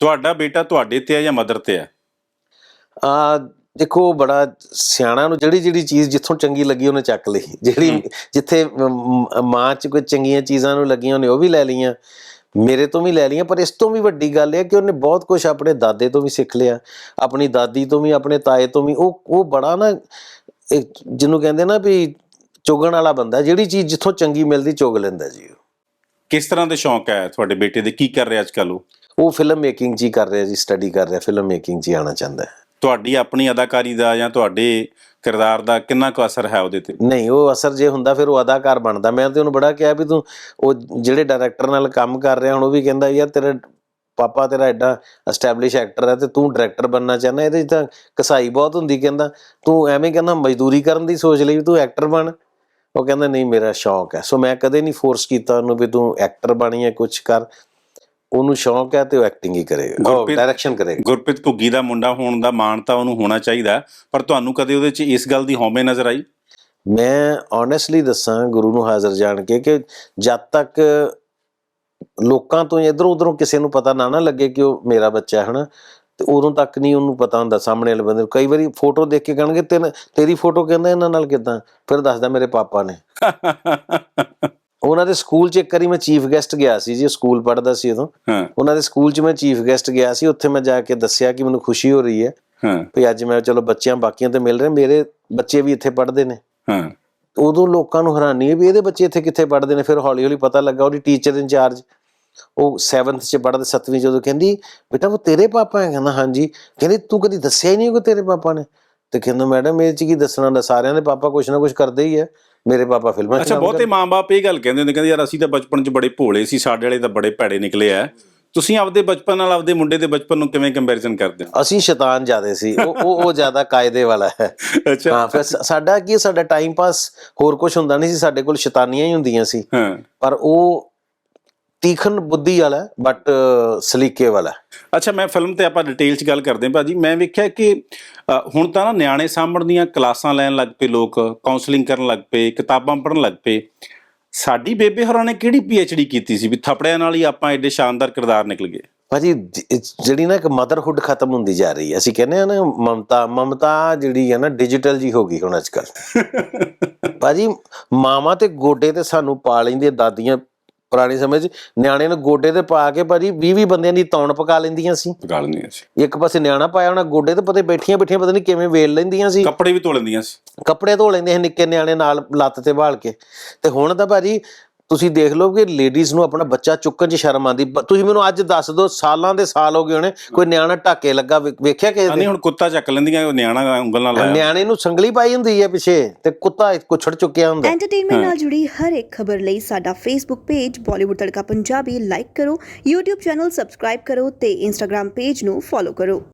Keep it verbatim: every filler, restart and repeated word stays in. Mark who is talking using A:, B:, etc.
A: ਤੁਹਾਡਾ ਬੇਟਾ ਤੁਹਾਡੇ ਤੇ ਹੈ ਜਾਂ ਮਦਰ ਤੇ ਹੈ?
B: ਆ ਦੇਖੋ, ਬੜਾ ਸਿਆਣਾ ਨੂੰ ਜਿਹੜੀ ਜਿਹੜੀ ਚੀਜ਼ ਜਿੱਥੋਂ ਚੰਗੀ ਲੱਗੀ ਉਹਨੇ ਚੱਕ ਲਈ। ਜਿਹੜੀ ਜਿੱਥੇ ਮਾਂ 'ਚ ਕੋਈ ਚੰਗੀਆਂ ਚੀਜ਼ਾਂ ਨੂੰ ਲੱਗੀਆਂ ਉਹਨੇ ਉਹ ਵੀ ਲੈ ਲਈਆਂ, ਮੇਰੇ ਤੋਂ ਵੀ ਲੈ ਲਈਆਂ। ਪਰ ਇਸ ਤੋਂ ਵੀ ਵੱਡੀ ਗੱਲ ਇਹ ਕਿ ਉਹਨੇ ਬਹੁਤ ਕੁਛ ਆਪਣੇ ਦਾਦੇ ਤੋਂ ਵੀ ਸਿੱਖ ਲਿਆ, ਆਪਣੀ ਦਾਦੀ ਤੋਂ ਵੀ, ਆਪਣੇ ਤਾਏ ਤੋਂ ਵੀ। ਉਹ ਉਹ ਬੜਾ ਨਾ, ਜਿਹਨੂੰ ਕਹਿੰਦੇ ਨਾ ਵੀ ਚੁਗਣ ਵਾਲਾ ਬੰਦਾ, ਜਿਹੜੀ ਚੀਜ਼ ਜਿੱਥੋਂ ਚੰਗੀ ਮਿਲਦੀ ਚੁਗ ਲੈਂਦਾ ਜੀ।
A: ਕਿਸ ਤਰ੍ਹਾਂ ਦੇ ਸ਼ੌਂਕ ਹੈ ਤੁਹਾਡੇ ਬੇਟੇ ਦੇ? ਕੀ ਕਰ ਰਿਹਾ ਅੱਜ ਕੱਲ੍ਹ ਉਹ?
B: ਉਹ ਫਿਲਮ ਮੇਕਿੰਗ 'ਚ ਹੀ ਕਰ ਰਿਹਾ ਜੀ, ਸਟੱਡੀ ਕਰ ਰਿਹਾ, ਫਿਲਮ ਮੇਕਿੰਗ 'ਚ ਹੀ ਆਉਣਾ ਚਾਹੁੰਦਾ ਹੈ।
A: ਤੁਹਾਡੀ ਆਪਣੀ ਅਦਾਕਾਰੀ ਦਾ ਜਾਂ ਤੁਹਾਡੇ ਕਿਰਦਾਰ ਦਾ ਕਿੰਨਾ ਕੁ ਅਸਰ ਹੈ ਉਹਦੇ ਤੇ?
B: ਨਹੀਂ, ਉਹ ਅਸਰ ਜੇ ਹੁੰਦਾ ਫਿਰ ਉਹ ਅਦਾਕਾਰ ਬਣਦਾ। ਮੈਂ ਤੇ ਉਹਨੂੰ ਬੜਾ ਕਿਹਾ ਵੀ ਤੂੰ ਉਹ ਜਿਹੜੇ ਡਾਇਰੈਕਟਰ ਨਾਲ ਕੰਮ ਕਰ ਰਿਹਾ ਹੁਣ, ਉਹ ਵੀ ਕਹਿੰਦਾ ਯਾਰ ਤੇਰਾ ਪਾਪਾ ਤੇਰਾ ਐਡਾ ਐਸਟੈਬਲਿਸ਼ ਐਕਟਰ ਹੈ ਤੇ ਤੂੰ ਡਾਇਰੈਕਟਰ ਬਣਨਾ ਚਾਹੁੰਦਾ, ਇਹਦੇ 'ਚ ਤਾਂ ਕਸਾਈ ਬਹੁਤ ਹੁੰਦੀ। ਕਹਿੰਦਾ ਤੂੰ ਐਵੇਂ ਕਹਿੰਦਾ ਮਜ਼ਦੂਰੀ ਕਰਨ ਦੀ ਸੋਚ ਲਈ ਵੀ ਤੂੰ ਐਕਟਰ ਬਣ। ਉਹ ਕਹਿੰਦਾ ਨਹੀਂ, ਮੇਰਾ ਸ਼ੌਂਕ ਹੈ। ਸੋ ਮੈਂ ਕਦੇ ਨਹੀਂ ਫੋਰਸ ਕੀਤਾ ਉਹਨੂੰ ਵੀ ਤੂੰ ਐਕਟਰ ਬਣੀ ਹੈ, ਕੁਛ ਕਰ। ਉਹਨੂੰ ਸ਼ੌਂਕ ਹੈ ਤੇ ਉਹ ਐਕਟਿੰਗ ਹੀ ਕਰੇਗਾ, ਡਾਇਰੈਕਸ਼ਨ ਕਰੇਗਾ।
A: ਗੁਰਪ੍ਰੀਤ ਘੁੱਗੀ ਦਾ ਮੁੰਡਾ ਹੋਣ ਦਾ ਮਾਣ ਤਾਂ ਉਹਨੂੰ ਹੋਣਾ ਚਾਹੀਦਾ, ਪਰ ਤੁਹਾਨੂੰ ਕਦੇ ਉਹਦੇ 'ਚ ਇਸ ਗੱਲ ਦੀ ਹਉਮੈ ਨਜ਼ਰ ਆਈ?
B: ਮੈਂ ਓਨੈਸਟਲੀ ਦੱਸਾਂ, ਗੁਰੂ ਨੂੰ ਹਾਜ਼ਰ ਜਾਣ ਕੇ, ਕਿ ਜਦ ਤੱਕ ਲੋਕਾਂ ਤੋਂ ਇੱਧਰੋਂ ਉੱਧਰੋਂ ਕਿਸੇ ਨੂੰ ਪਤਾ ਨਾ ਨਾ ਲੱਗੇ ਕਿ ਉਹ ਮੇਰਾ ਬੱਚਾ ਹੈ ਨਾ, ਤੇ ਉਦੋਂ ਤੱਕ ਨਹੀਂ ਉਹਨੂੰ ਪਤਾ ਹੁੰਦਾ ਸਾਹਮਣੇ ਵਾਲੇ ਬੰਦੇ ਨੂੰ। ਕਈ ਵਾਰੀ ਫੋਟੋ ਦੇਖ ਕੇ ਕਹਿਣਗੇ ਤੈਨੂੰ ਤੇਰੀ ਫੋਟੋ ਕਹਿੰਦਾ ਇਹਨਾਂ ਨਾਲ ਕਿੱਦਾਂ, ਫਿਰ ਦੱਸਦਾ ਮੇਰੇ ਪਾਪਾ ਨੇ। ਉਹਨਾਂ ਦੇ ਸਕੂਲ 'ਚ ਇੱਕ ਵਾਰੀ ਮੈਂ ਚੀਫ ਗੈਸਟ ਗਿਆ ਸੀ ਜੀ, ਸਕੂਲ ਪੜ੍ਹਦਾ ਸੀ ਉਦੋਂ। ਉਹਨਾਂ ਦੇ ਸਕੂਲ 'ਚ ਮੈਂ ਚੀਫ ਗੈਸਟ ਗਿਆ ਸੀ। ਉੱਥੇ ਮੈਂ ਜਾ ਕੇ ਦੱਸਿਆ ਕਿ ਮੈਨੂੰ ਖੁਸ਼ੀ ਹੋ ਰਹੀ ਹੈ ਵੀ ਅੱਜ ਮੈਂ ਚਲੋ ਬੱਚਿਆਂ ਬਾਕੀਆਂ ਤੇ ਮਿਲ ਰਹੇ, ਮੇਰੇ ਬੱਚੇ ਵੀ ਇੱਥੇ ਪੜ੍ਹਦੇ ਨੇ। ਉਦੋਂ ਲੋਕਾਂ ਨੂੰ ਹੈਰਾਨੀ ਹੈ ਵੀ ਇਹਦੇ ਬੱਚੇ ਇੱਥੇ ਕਿੱਥੇ ਪੜ੍ਹਦੇ ਨੇ। ਫਿਰ ਹੌਲੀ ਹੌਲੀ ਪਤਾ ਲੱਗਾ ਉਹਦੀ ਟੀਚਰ ਇੰਚਾਰਜ, ਉਹ ਸੈਵਨਥ 'ਚ ਪੜ੍ਹਦੇ, ਸੱਤਵੀਂ 'ਚ, ਉਦੋਂ ਕਹਿੰਦੀ ਬੇਟਾ ਉਹ ਤੇਰੇ ਪਾਪਾ ਹੈ? ਕਹਿੰਦਾ ਹਾਂਜੀ। ਕਹਿੰਦੀ ਤੂੰ ਕਦੀ ਦੱਸਿਆ ਹੀ ਨਹੀਂ ਕਿ ਤੇਰੇ ਪਾਪਾ ਨੇ? ਤੇ ਕਹਿੰਦਾ ਮੈਡਮ ਇਹ 'ਚ ਕੀ ਦੱਸਣਾ ਹੁੰਦਾ, ਸਾਰਿਆਂ ਦੇ ਪਾਪਾ ਕੁਛ ਨਾ ਕੁਛ ਕਰਦੇ ਹੀ ਹੈ, ਮੇਰੇ ਪਾਪਾ ਫਿਲਮਾਂ 'ਚ।
A: ਅੱਛਾ, ਬਹੁਤੇ ਮਾਂ ਬਾਪ ਇਹ ਗੱਲ ਕਹਿੰਦੇ ਹੁੰਦੇ, ਕਹਿੰਦੇ ਯਾਰ ਅਸੀਂ ਤਾਂ ਬਚਪਨ 'ਚ ਬੜੇ ਭੋਲੇ ਸੀ, ਸਾਡੇ ਵਾਲੇ ਤਾਂ ਬੜੇ ਭੈੜੇ ਨਿਕਲੇ ਆ। ਤੁਸੀਂ ਆਪਦੇ ਬਚਪਨ ਨਾਲ ਆਪਦੇ ਮੁੰਡੇ ਦੇ ਬਚਪਨ ਨੂੰ ਕਿਵੇਂ ਕੰਪੈਰੀਜ਼ਨ ਕਰਦੇ ਹੋ?
B: ਅਸੀਂ ਸ਼ੈਤਾਨ ਜ਼ਿਆਦਾ ਸੀ, ਉਹ ਉਹ ਜ਼ਿਆਦਾ ਕਾਇਦੇ ਵਾਲਾ ਹੈ।
A: ਅੱਛਾ।
B: ਹਾਂ, ਫਿਰ ਸਾਡਾ ਕੀ, ਸਾਡਾ ਟਾਈਮ ਪਾਸ ਹੋਰ ਕੁਛ ਹੁੰਦਾ ਨਹੀਂ ਸੀ, ਸਾਡੇ ਕੋਲ ਸ਼ੈਤਾਨੀਆਂ ਹੀ ਹੁੰਦੀਆਂ ਸੀ। ਪਰ ਉਹ ਤੀਖਣ ਬੁੱਧੀ ਵਾਲਾ, ਬਟ ਸਲੀਕੇ ਵਾਲਾ।
A: ਅੱਛਾ, ਮੈਂ ਫਿਲਮ ਤੇ ਆਪਾਂ ਡਿਟੇਲ 'ਚ ਗੱਲ ਕਰਦੇ ਹਾਂ ਭਾਜੀ। ਮੈਂ ਵੇਖਿਆ ਕਿ ਹੁਣ ਤਾਂ ਨਾ ਨਿਆਣੇ ਸਾਂਭਣ ਦੀਆਂ ਕਲਾਸਾਂ ਲੈਣ ਲੱਗ ਪਏ ਲੋਕ, ਕਾਉਂਸਲਿੰਗ ਕਰਨ ਲੱਗ ਪਏ, ਕਿਤਾਬਾਂ ਪੜ੍ਹਨ ਲੱਗ ਪਏ। ਸਾਡੀ ਬੇਬੇ ਹੋਰਾਂ ਨੇ ਕਿਹੜੀ ਪੀ ਐਚ ਡੀ ਕੀਤੀ ਸੀ ਵੀ ਥੱਪੜਿਆਂ ਨਾਲ ਹੀ ਆਪਾਂ ਐਡੇ ਸ਼ਾਨਦਾਰ ਕਿਰਦਾਰ ਨਿਕਲ ਗਏ? ਭਾਜੀ
B: ਜਿਹੜੀ ਨਾ ਇੱਕ ਮਦਰਹੁੱਡ ਖਤਮ ਹੁੰਦੀ ਜਾ ਰਹੀ ਹੈ। ਅਸੀਂ ਕਹਿੰਦੇ ਹਾਂ ਨਾ ਮਮਤਾ, ਮਮਤਾ ਜਿਹੜੀ ਹੈ ਨਾ ਡਿਜੀਟਲ ਜੀ ਹੋ ਗਈ ਹੁਣ ਅੱਜ ਕੱਲ੍ਹ। ਭਾਜੀ ਮਾਵਾਂ ਤੇ ਗੋਡੇ ਤੇ ਸਾਨੂੰ ਪਾ ਲੈਂਦੀਆਂ ਦਾਦੀਆਂ, ਪੁਰਾਣੇ ਸਮੇਂ 'ਚ ਨਿਆਣੇ ਨੂੰ ਗੋਡੇ ਤੇ ਪਾ ਕੇ ਭਾਜੀ ਵੀਹ ਵੀਹ ਬੰਦਿਆਂ ਦੀ ਤੌਣ ਪਕਾ ਲੈਂਦੀਆਂ ਸੀ।
A: ਪਕਾ ਲੈਂਦੀਆਂ ਸੀ।
B: ਇੱਕ ਪਾਸੇ ਨਿਆਣਾ ਪਾਇਆ ਹੋਣਾ ਗੋਡੇ ਤੇ, ਪਤਾ ਬੈਠੀਆਂ ਬੈਠੀਆਂ ਪਤਾ ਨਹੀਂ ਕਿਵੇਂ ਵੇਲ ਲੈਂਦੀਆਂ ਸੀ।
A: ਕੱਪੜੇ ਵੀ ਧੋ ਲੈਂਦੀਆਂ ਸੀ,
B: ਕੱਪੜੇ ਧੋ ਲੈਂਦੇ ਸੀ ਨਿੱਕੇ ਨਿਆਣੇ ਨਾਲ ਲੱਤ ਤੇ ਬਾਲ ਕੇ। ਤੇ ਹੁਣ ਤਾਂ ਭਾਜੀ ਤੁਸੀਂ ਦੇਖ ਲਓ ਕਿ ਲੇਡੀਜ਼ ਨੂੰ ਆਪਣਾ ਬੱਚਾ ਚੁੱਕਣ 'ਚ ਸ਼ਰਮ ਆਉਂਦੀ। ਤੁਸੀਂ ਮੈਨੂੰ ਅੱਜ ਦੱਸ ਦਿਓ, ਸਾਲਾਂ ਦੇ ਸਾਲ ਹੋ ਗਏ ਹੋਣੇ, ਕੋਈ ਨਿਆਣਾ ਢਾਕੇ ਲੱਗਾ ਵੇਖਿਆ ਕਿਸੇ ਨੇ?
A: ਹੁਣ ਕੁੱਤਾ ਚੱਕ ਲੈਂਦੀਆਂ, ਨਿਆਣਾ ਉਂਗਲ ਨਾਲ ਲਾਇਆ, ਨਿਆਣੇ
B: ਨੂੰ ਸੰਗਲੀ ਪਾਈ ਹੁੰਦੀ ਹੈ ਪਿੱਛੇ ਤੇ ਕੁੱਤਾ ਕੁੱਛੜ ਚੁੱਕਿਆ ਹੁੰਦਾ।
C: ਐਂਟਰਟੇਨਮੈਂਟ ਨਾਲ ਜੁੜੀ ਹਰ ਇੱਕ ਖਬਰ ਲਈ ਸਾਡਾ Facebook page Bollywood Tadka Punjabi like ਕਰੋ, YouTube ਚੈਨਲ ਸਬਸਕ੍ਰਾਈਬ ਕਰੋ ਤੇ Instagram ਪੇਜ ਨੂੰ ਫੋਲੋ ਕਰੋ।